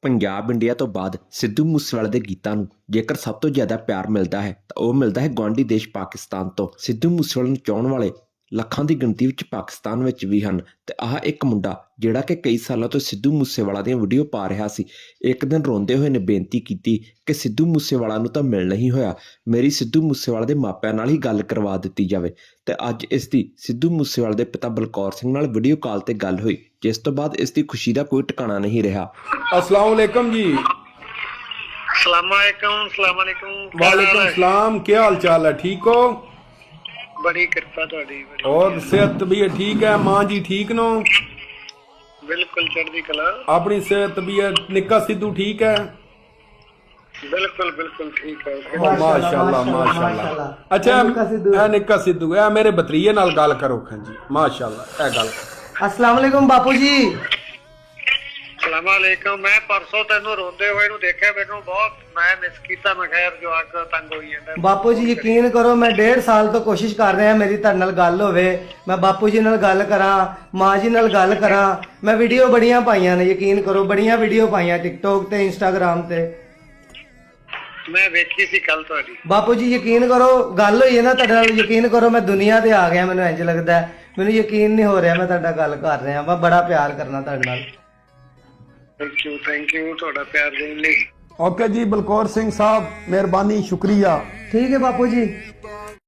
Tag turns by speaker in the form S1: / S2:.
S1: Punjab India ਤੋਂ ਬਾਅਦ ਸਿੱਧੂ ਮੂਸੇਵਾਲੇ ਦੇ ਗੀਤਾਂ ਨੂੰ ਜੇਕਰ ਸਭ ਤੋਂ ਜ਼ਿਆਦਾ ਪਿਆਰ ਮਿਲਦਾ ਹੈ ਤਾਂ ਉਹ ਮਿਲਦਾ ਹੈ ਗੁਆਂਢੀ ਦੇਸ਼ ਪਾਕਿਸਤਾਨ ਤੋਂ। ਸਿੱਧੂ ਮੂਸੇਵਾਲੇ ਨੂੰ ਚਾਹੁਣ ਵਾਲੇ ਲੱਖਾਂ ਦੀ ਗਿਣਤੀ ਵਿੱਚ ਪਾਕਿਸਤਾਨ ਵਿੱਚ ਵੀ ਹਨ ਤੇ ਆਹ ਇੱਕ ਮੁੰਡਾ ਜਿਹੜਾ ਕਿ ਕਈ ਸਾਲਾਂ ਤੋਂ ਸਿੱਧੂ ਮੂਸੇਵਾਲਾ ਦੀਆਂ ਵੀਡੀਓ ਪਾ ਰਿਹਾ ਸੀ, ਇੱਕ ਦਿਨ ਰੋਂਦੇ ਹੋਏ ਨੇ ਬੇਨਤੀ ਕੀਤੀ ਕਿ ਸਿੱਧੂ ਮੂਸੇਵਾਲਾ ਨੂੰ ਤਾਂ ਮਿਲ ਨਹੀਂ ਹੋਇਆ, ਮੇਰੀ ਸਿੱਧੂ ਮੂਸੇਵਾਲੇ ਦੇ ਮਾਪਿਆਂ ਨਾਲ ਹੀ ਗੱਲ ਕਰਵਾ ਦਿੱਤੀ ਜਾਵੇ। ਤੇ ਅੱਜ ਇਸ ਦੀ ਸਿੱਧੂ ਮੂਸੇਵਾਲੇ ਦੇ ਪਿਤਾ ਬਲਕੌਰ ਸਿੰਘ ਨਾਲ ਵੀਡੀਓ ਕਾਲ ਤੇ ਗੱਲ ਹੋਈ, ਜਿਸ ਤੋਂ ਬਾਅਦ ਇਸ ਦੀ ਖੁਸ਼ੀ ਦਾ ਕੋਈ ਟਿਕਾਣਾ ਨਹੀਂ ਰਿਹਾ।
S2: अस्सलाम वालेकुम जी। वालेकुम सलाम, क्या हाल चाल है? ठीक हो?
S3: बड़ी कृपा तुहाडी।
S2: और सेहत तबीयत ठीक है? मां जी ठीक नो?
S3: बिल्कुल चढ़दी कला।
S2: अपनी सेहत तबीयत निक्का सिद्धू ठीक है?
S3: बिल्कुल बिल्कुल ठीक है।
S2: माशाल्लाह माशाल्लाह। अच्छा ए निक्का सिद्धू ए मेरे भतरीए नाल गल करो खां जी। माशाल्लाह ए गल।
S4: अस्सलाम वालेकुम बापू जी।
S3: सलाम वालेकुम। मैं परसों तेनू रोंदे होए नू देखिया, मैनू बहुत मैं मिस कीता। मैं खैर जो आग तंग होई जांदा।
S4: बापू जी यकीन करो मैं 1.5 साल तो कोशिश कर रहा मेरी तुहाडे नाल गल होवे, मैं बापू जी नाल गल करा, मां जी नाल गल करा। मैं वीडियो बड़ियां पाइयां ने, यकीन करो बड़ियां वीडियो पाइयां टिकटॉक ते इंस्टाग्राम ते।
S3: मैं वेखी सी कल तुहाडी।
S4: बापू जी यकीन करो गल होई है ना तुहाडे नाल, यकीन करो मैं दुनिया ते आ गया। मैनू इंज लगदा है, मैनू यकीन नहीं हो रहा मैं तुहाडा गल कर रहा। मैं बड़ा प्यार करना तुहाडे नाल।
S3: थैंक यू तुहाडा प्यार देने लई।
S2: ओके जी बलकौर सिंह साहब, मेहरबानी, शुक्रिया।
S4: ठीक है बापू जी।